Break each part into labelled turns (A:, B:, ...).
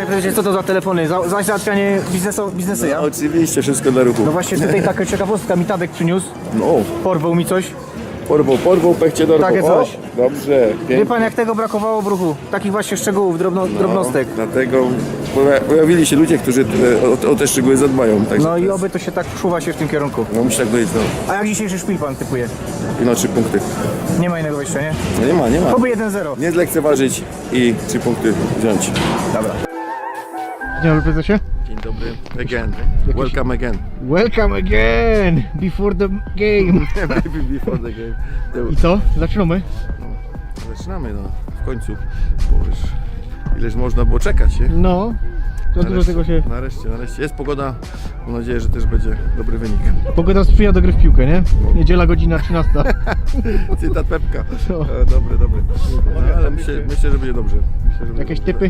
A: Panie prezesie, co to za telefony? Za załatwianie biznesu, ja?
B: No, oczywiście, wszystko dla ruchu.
A: No właśnie tutaj taka ciekawostka mi Tadek przyniósł.
B: No,
A: Porwał mi coś.
B: porwał, pechcie do ruchu.
A: Takie coś.
B: O, dobrze,
A: Wie
B: pięknie.
A: pan, jak tego brakowało w ruchu? Takich właśnie szczegółów, drobnostek.
B: Dlatego pojawili się ludzie, którzy o te szczegóły zadbają. Także
A: No
B: to
A: i
B: jest-
A: oby to się tak czuwa się w tym kierunku.
B: No musi tak być, no.
A: A jak dzisiejszy szpil pan typuje?
B: I no 3 punkty.
A: Nie ma innego wyjścia, nie?
B: No nie ma.
A: Oby 1-0.
B: Nie zlekceważyć i 3 punkty wziąć.
A: Dobra. Dzień dobry prezesie.
B: Dzień dobry. Again. Welcome again.
A: Welcome again before the game.
B: Before the game.
A: I co? Zaczynamy?
B: Zaczynamy, no. W końcu. Bo już ileż można było czekać, nie?
A: No. To dużo tego się...
B: Nareszcie. Jest pogoda. Mam nadzieję, że też będzie dobry wynik.
A: Pogoda sprzyja do gry w piłkę, nie? Niedziela godzina 13.
B: Cytat Pepka.
A: No.
B: Dobry. No, ale myślę, że będzie dobrze. Myślę, że będzie
A: Jakieś
B: dobrze.
A: typy?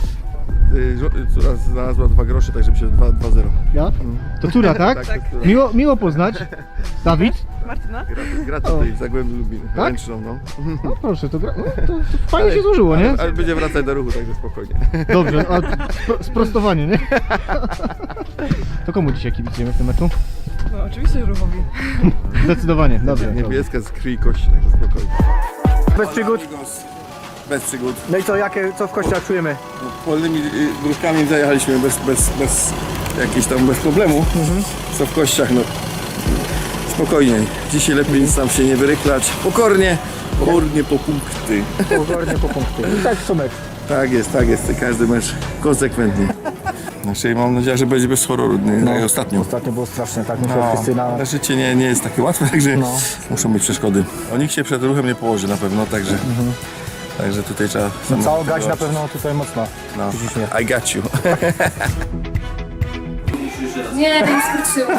B: Córa znalazła 2 grosze, także myślę, że 2-0.
A: Ja? To córa, tak?
B: Tak.
A: Miło poznać. Dawid?
C: Martyna?
B: Gra tutaj w Zagłębiu Lubin.
A: Tak?
B: Ręczną, no.
A: No proszę, to fajnie się złożyło, nie?
B: Ale będzie wracać do ruchu, także spokojnie.
A: Dobrze, a sprostowanie, nie? To komu dzisiaj kibicujemy w tym meczu?
C: No oczywiście ruchowi.
A: Zdecydowanie, dobrze.
B: Niebieska z krwi i kości, także spokojnie.
A: Bez przygód.
B: Bez przygód.
A: No i co w kościach czujemy?
B: Polnymi dróżkami zajechaliśmy bez jakichś tam bez problemu. Co w kościach, no spokojnie. Dzisiaj lepiej nic nam się nie wyryklać. Pokornie po punkty.
A: Pokornie po punkty. I tak co mecz.
B: Tak jest. Każdy mecz konsekwentnie. Znaczy mam nadzieję, że będzie bez horroru, nie? Jak ostatnio.
A: Ostatnio było straszne, tak? Myślę, wszyscy na...
B: Życie nie jest takie łatwe, także muszą być przeszkody. O nikt się przed ruchem nie położy na pewno, także tutaj trzeba...
A: Cała gaź na pewno tutaj mocno.
B: No,
A: Ciśnie.
B: I got you.
D: Nie, nie skończyłam.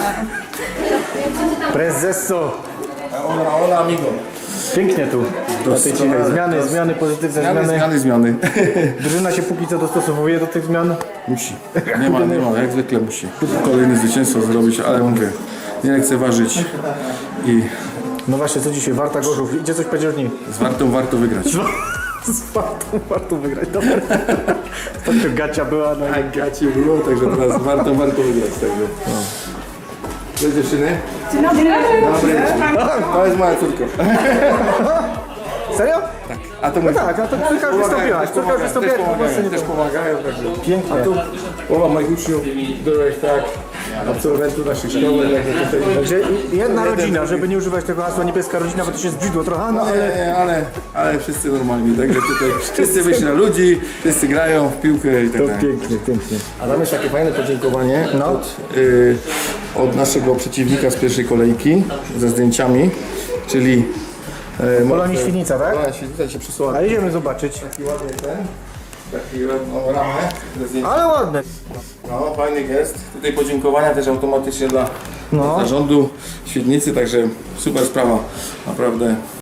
A: Prezesso!
B: Hola amigo.
A: Pięknie tu. Na tej cichej. Zmiany, pozytywne
B: Zmiany.
A: Drużyna się póki co dostosowuje do tych zmian.
B: Musi. Nie ma, jak zwykle musi. Kolejne zwycięstwo zrobić, ale mówię, nie lekceważyć i
A: No właśnie, co dzisiaj? Warta Gorzów. Idzie coś powiedzieć dni.
B: z Wartą warto wygrać.
A: Z warto wygrać. Dobra. To gacia była. No.
B: Tak, gacie było, także teraz warto wygrać. Także. No. Cześć dziewczyny.
C: Dzień dobry.
B: Dobry. To jest moja córka.
A: Serio?
B: A to mój
A: Tak, a to córka już wystąpiłaś. Córka już wystąpiłaś.
B: też pomagają, także.
A: Pięknie.
B: Połowa moich uczniów byłeś tak, absolwentów naszych szkoły, także tutaj...
A: Także jedna rodzina, żeby nie używać tego hasła niebieska rodzina, bo to się zbrzydło trochę, no ale...
B: Ale wszyscy normalni, także tutaj wszyscy wyszli na ludzi, wszyscy grają w piłkę i tak dalej.
A: Pięknie.
B: A tam jest takie fajne podziękowanie od naszego przeciwnika z pierwszej kolejki ze zdjęciami, czyli
A: Polonii Świdnica, tak?
B: Polonia Świdnica się przysłała
A: A idziemy zobaczyć.
B: taki ładny taki ramę ze zdjęciami.
A: Ale ładne.
B: No, fajny gest. Tutaj podziękowania też automatycznie dla
A: No.
B: zarządu Świdnicy, także super sprawa, naprawdę.